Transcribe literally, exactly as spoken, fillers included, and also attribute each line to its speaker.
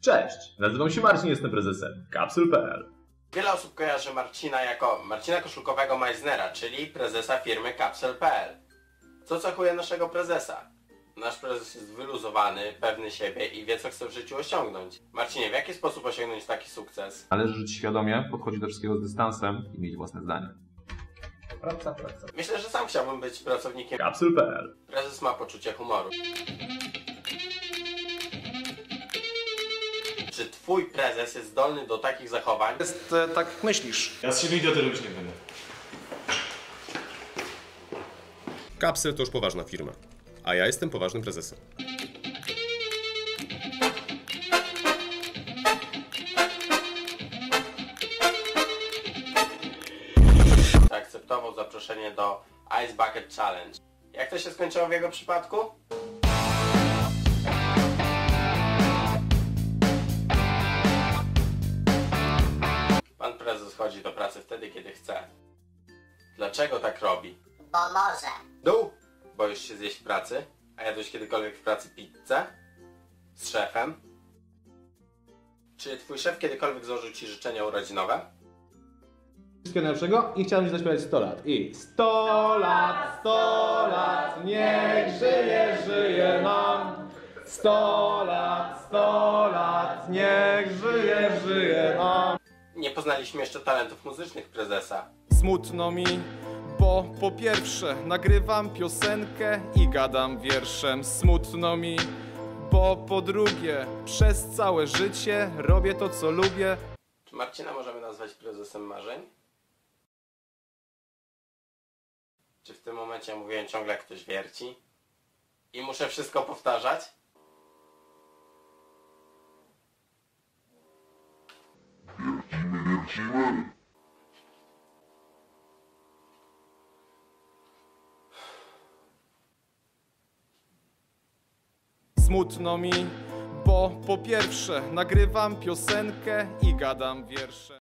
Speaker 1: Cześć, nazywam się Marcin, jestem prezesem Kapsul kropka pe el.
Speaker 2: Wiele osób kojarzy Marcina jako Marcina Koszulkowego Meissnera, czyli prezesa firmy Kapsul kropka pe el. Co cechuje naszego prezesa? Nasz prezes jest wyluzowany, pewny siebie i wie, co chce w życiu osiągnąć. Marcinie, w jaki sposób osiągnąć taki sukces?
Speaker 1: Należy żyć świadomie, podchodzić do wszystkiego z dystansem i mieć własne zdanie. Praca, praca.
Speaker 2: Myślę, że sam chciałbym być pracownikiem
Speaker 1: Kapsul kropka pe el.
Speaker 2: Prezes ma poczucie humoru. Czy twój prezes jest zdolny do takich zachowań?
Speaker 3: Jest e, tak jak myślisz.
Speaker 4: Ja z siebie idioty robić nie będę.
Speaker 5: Kapsel to już poważna firma, a ja jestem poważnym prezesem.
Speaker 2: Zaakceptował zaproszenie do Ice Bucket Challenge. Jak to się skończyło w jego przypadku? Pan prezes chodzi do pracy wtedy, kiedy chce. Dlaczego tak robi?
Speaker 6: Bo może.
Speaker 2: Dół! Boisz się zjeść w pracy? A jadłeś kiedykolwiek w pracy pizzę? Z szefem? Czy twój szef kiedykolwiek złożył ci życzenia urodzinowe?
Speaker 7: Wszystkiego najlepszego i chciałem Ci zaśpiewać sto lat. I sto lat, sto lat, niech żyje, żyje nam. sto lat, sto lat, niech żyje, żyje nam.
Speaker 2: Nie poznaliśmy jeszcze talentów muzycznych prezesa.
Speaker 3: Smutno mi, bo po pierwsze nagrywam piosenkę i gadam wierszem. Smutno mi, bo po drugie przez całe życie robię to, co lubię.
Speaker 2: Czy Marcina możemy nazwać prezesem marzeń? Czy w tym momencie mówiłem ciągle jak ktoś wierci? I muszę wszystko powtarzać?
Speaker 3: Smutno mi, bo po pierwsze nagrywam piosenkę i gadam wiersze.